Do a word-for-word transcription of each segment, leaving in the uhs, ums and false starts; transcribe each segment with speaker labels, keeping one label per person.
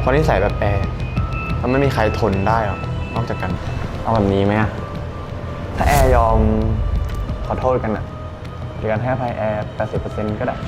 Speaker 1: ราะนิสัยแบบแอร์มันไม่มีใครทนได้หรอกนอกจากกันเอาแบบนี้ไหมอะถ้าแอร์ยอมขอโทษกันอะหรือการให้อภัยแอร์ แปดสิบเปอร์เซ็นต์ ก็ได้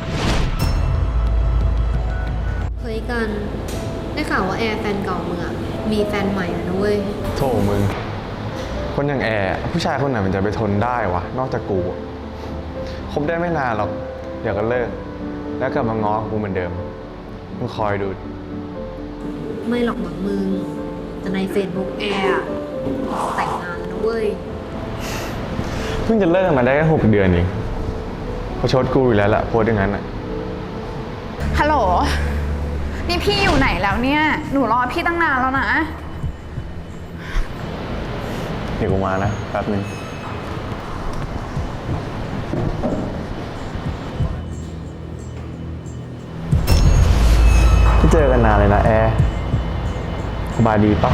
Speaker 2: เฮ้ยกันได้ข่าวว่าแอร์แฟนเก่ามึงอะมีแฟนใหม่แล้วนะเว้ย
Speaker 1: โธ่มึงคนอย่างแอร์ผู้ชายคนไหนมันจะไปทนได้วะนอกจากกูคบได้ไม่นานหรอกเดี๋ยวก็เลิกแล้วกลับมาง้อกูเหมือนเดิมมึงคอยดู
Speaker 2: ไม่หรอกหมักมึงแต่ใน Facebook แอร์แต่งงานแล้วนะเว้ย
Speaker 1: เพิ่งจะเลิกมาได้แค่หกเดือนเองเขาชดกูอยู่แล้วล่ะโพสอย่างนั้นอ่ะ
Speaker 3: ฮัลโหลนี่พี่อยู่ไหนแล้วเนี่ยหนูรอพี่ตั้งนานแล้วนะ
Speaker 1: เดี๋ยวกูมานะแป๊บนึงไม่เจอกันนานเลยนะแอร์สบายดีปะ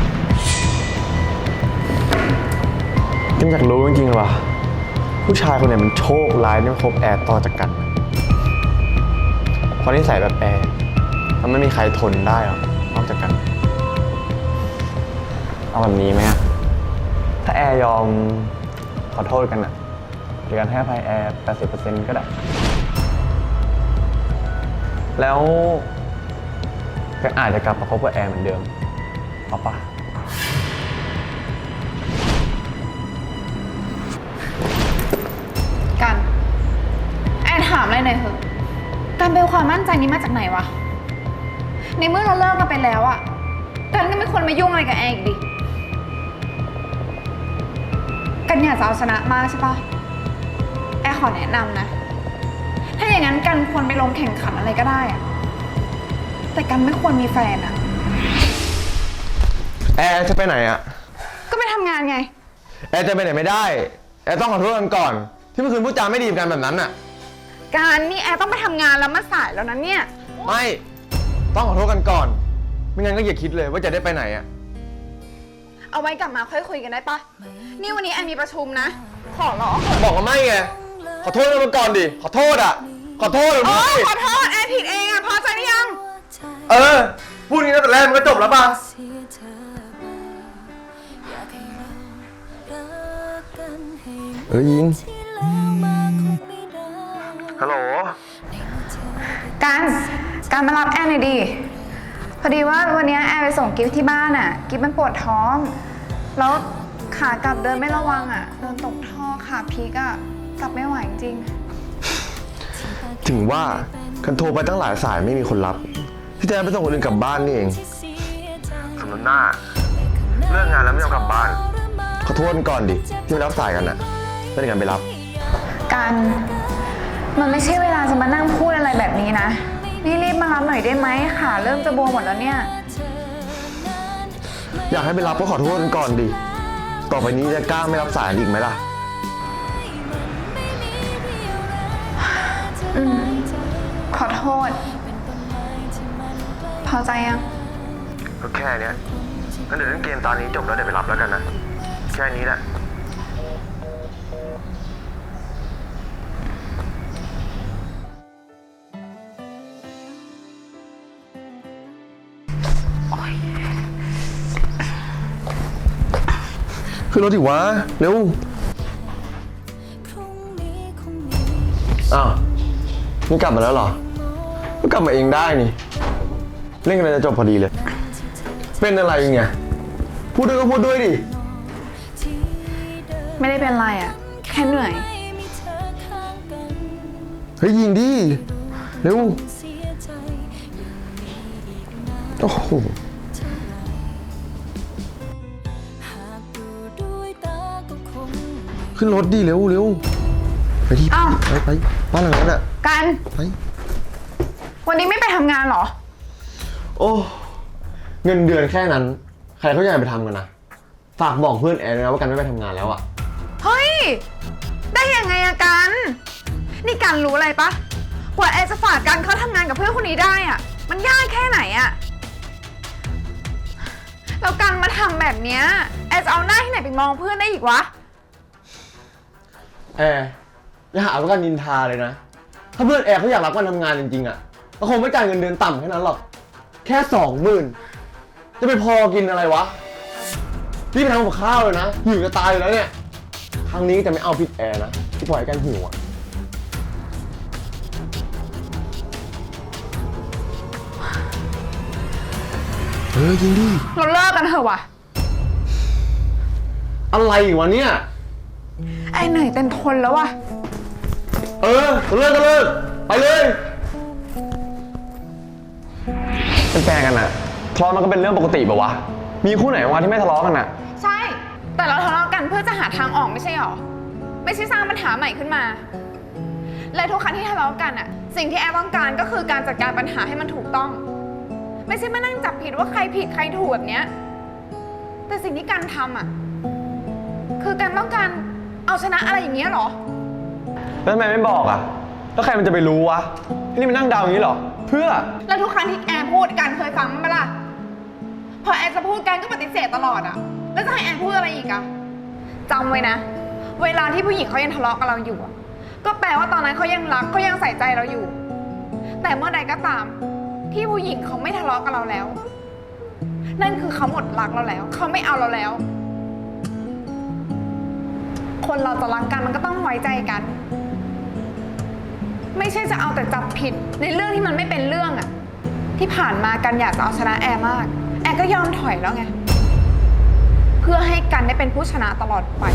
Speaker 1: กินอยากรู้จริงๆเลยว่ะผู้ชายคนไหนมันโชคร้ายที่มาคบแอร์ต่อจากกันเพราะนิสัยแบบแอร์มันไม่มีใครทนได้หรอกนอกจากกันเอาแบบนี้ไหมอะถ้าแอร์ยอมขอโทษกันอะหรือการให้อภัยแอร์ แปดสิบเปอร์เซ็นต์ ก็ได้แล้วก็อาจจะกลับมาคบกับแอร์เหมือนเดิมเอาปะ
Speaker 3: กันแอนถามอะไรหน่อยเถอะการเป็นความมั่นใจนี้มาจากไหนวะในเมื่อเราเลิกกันไปแล้วอะกันก็ไม่ควรมายุ่งอะไรกับแอนอีกดิกันอยากจะเอาชนะมากใช่ปะแอนขอแนะนำนะถ้าอย่างนั้นกันควรไปลงแข่งขันอะไรก็ได้อะแต่กันไม่ควรมีแฟนอะ
Speaker 1: แอร์จะไปไหนอะ
Speaker 3: ก็ไปทำงานไง
Speaker 1: แอร์จะไปไหนไม่ได้แอร์ต้องขอโทษกันก่อนที่เมื่อคืนพูดจาไม่ดีกันแบบนั้นอะ
Speaker 3: การนี่แอนต้องไปทำงานแล้วมาสายแล้วนะเนี่ย
Speaker 1: ไม่ต้องขอโทษกันก่อนไม่งั้นก็อย่าคิดเลยว่าจะได้ไปไหนอะ
Speaker 3: เอาไว้กลับมาค่อยคุยกันได้ปะนี่วันนี้แอนมีประชุมนะขอร้อง
Speaker 1: บอกว่าไม่ไงขอโทษกันก่อนดิขอโทษอะขอโทษเลย
Speaker 3: โอ้ขอโทษแอนผิดเองอะพอใจหรือยัง
Speaker 1: เออพูดงี้ตั้งแต่แรกมันก็จบแล้วป่ะเออยิงฮัลโหล
Speaker 3: การการมารับแอนหน่อยดิพอดีว่าวันนี้แอนไปส่งกิฟที่บ้านอ่ะกิฟมันปวดท้องแล้วขากลับเดินไม่ระวังอ่ะเดินตกท่อขาพลิกอ่ะกลับไม่ไหวจริง
Speaker 1: ถึงว่ากันโทรไปตั้งหลายสายไม่มีคนรับที่แท้ไปส่งคนอื่นกลับบ้านนี่เองสำนักหน้าเลิกงานแล้วไม่ยอมกลับบ้านขอโทษก่อนดิที่ไม่รับสายกันน่ะไม่ได้กันไปรับ
Speaker 3: กันมันไม่ใช่เวลาจะมานั่งพูดอะไรแบบนี้นะนี่รีบมารับหน่อยได้ไหมขาเริ่มจะบวมหมดแล้วเนี่ย
Speaker 1: อยากให้ไปรับก็ขอโทษก่อนดิต่อไปนี้จะกล้าไม่รับสายอีกไหมล่ะ
Speaker 3: อืมขอโทษพอใจยัง
Speaker 1: ก็แค่เนี้ยงั้นเดี๋ยวเล่นเกมตอนนี้จบแล้วเดี๋ยวไปรับแล้วกันนะแค่นี้แหละขึ้นรถดิวะเร็วอ้าวนี่กลับมาแล้วเหรอก็กลับมาเองได้นี่เล่นกันจะจบพอดีเลยเป็นอะไรเนี่ยพูดด้วยก็พูดด้วยดิ
Speaker 3: ไม่ได้เป็นไรอ่ะแค่เหนื่อย
Speaker 1: เฮ้ยยิงดิเร็วโอ้โหขึ้นรถดิเร็วเร็วไปดิไปไปบ้านหลังนั้นอ่ะ
Speaker 3: กัน
Speaker 1: ไป
Speaker 3: วันนี้ไม่ไปทำงานเหรอ
Speaker 1: โอ้เงินเดือนแค่นั้นใครเขาอยากไปทำกันนะฝากบอกเพื่อนแอนนะว่ากันไม่ไปทำงานแล้วอ่ะ
Speaker 3: เฮ้ยได้ยังไงอะกันนี่กันรู้อะไรปะกว่าแอนจะฝากกันเขาทำงานกับเพื่อนคนนี้ได้อะมันยากแค่ไหนอะแล้วกันมาทำแบบเนี้ยแอนจะเอาหน้าที่ไหนไปมองเพื่อนได้อีกวะ
Speaker 1: แอร์อย่าหาว่ากันนินทาเลยนะถ้าเพื่อนแอร์เขาอยากรับกันทำงานจริงๆอ่ะก็คงไม่จ่ายเงินเดือนต่ำแค่นั้นหรอกแค่สองหมื่นจะไปพอกินอะไรวะพี่ไปทำกับข้าวเลยนะหิวจะตายอยู่แล้วเนี่ยครั้งนี้จะไม่เอาผิดแอร์นะที่ปล่อยให้กันหิวอ่ะเออยิงดิ
Speaker 3: เราเลิกกันเถอะวะ
Speaker 1: อะไรอีกวะเนี่ย
Speaker 3: ไอ้เหนื่อยเต็มทนแล้ววะ
Speaker 1: เออเลิกก็เลิกไปเลยเป็นแฟนกันอะทะเลาะมันก็เป็นเรื่องปกติป่าวะมีคู่ไหนวะที่ไม่ทะเลาะกันอะ
Speaker 3: ใช่ แต่เราทะเลาะกันเพื่อจะหาทางออกไม่ใช่หรอ ไม่ใช่สร้างปัญหาใหม่ขึ้นมา และทุกครั้งที่ทะเลาะกันอะสิ่งที่แอร์ต้องการก็คือการจัดการปัญหาให้มันถูกต้อง ไม่ใช่มานั่งจับผิดว่าใครผิดใครถูกแบบเนี้ยแต่สิ่งที่การทำอะคือการต้องการเอาชนะอะไรอย่างเงี้ยหรอ
Speaker 1: แล้วทำไมไม่บอกอะแล้วใครมันจะไปรู้วะที่นี่มันนั่งเดาอย่างนี้เหรอเพื่อ
Speaker 3: แล้วทุกครั้งที่แอร์พูดกันเคยฟังมั้ยปะล่ะพอแอร์จะพูดกันก็ปฏิเสธตลอดอะแล้วจะให้แอร์พูดอะไรอีกอะจำไว้นะ เวลาที่ผู้หญิงเขายังทะเลาะกับเราอยู่อะก็แปลว่าตอนนั้นเขายังรักเขายังใส่ใจเราอยู่ แต่เมื่อใดก็ตามที่ผู้หญิงเขาไม่ทะเลาะกับเราแล้ว นั่นคือเขาหมดรักเราแล้วเขาไม่เอาเราแล้ว คนเราจะรักกันมันก็ต้องไว้ใจกัน ไม่ใช่จะเอาแต่จับผิดในเรื่องที่มันไม่เป็นเรื่องอะที่ผ่านมากันอยากจะเอาชนะแอร์มาก แอร์ก็ยอมถอยแล้วไงเพื่อให้กันได้เป็นผู้ชนะตลอดไป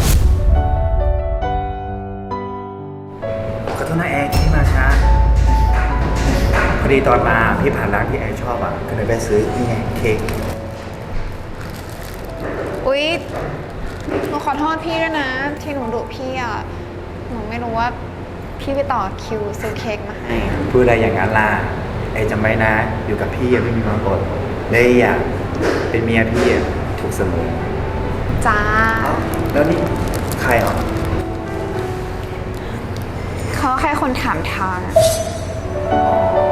Speaker 4: ขอโทษนะแอร์ที่มาช้าพอดีตอนมาพี่ผ่านร้านที่แอร์ชอบอ่ะก็เลยไปซื้อนี่ไงเค้ก
Speaker 3: อุ๊ยหนูขอโทษพี่ด้วยนะ ที่หนูดุพี่อ่ะหนูไม่รู้ว่าพี่ไปต่อคิวซื้อเค้กมาให้
Speaker 4: พูดอะไรอย่างนั้นล่ะแอร์จำไว้นะ อยู่กับพี่อย่าไม่มีความกดเลยอ่ะเป็นเมียพี่อ่ะถูกเสมอ
Speaker 3: จ้า
Speaker 4: แล้วนี่ใครอ่ะ
Speaker 3: เขาแค่คนถามทางอะ
Speaker 4: อ๋อ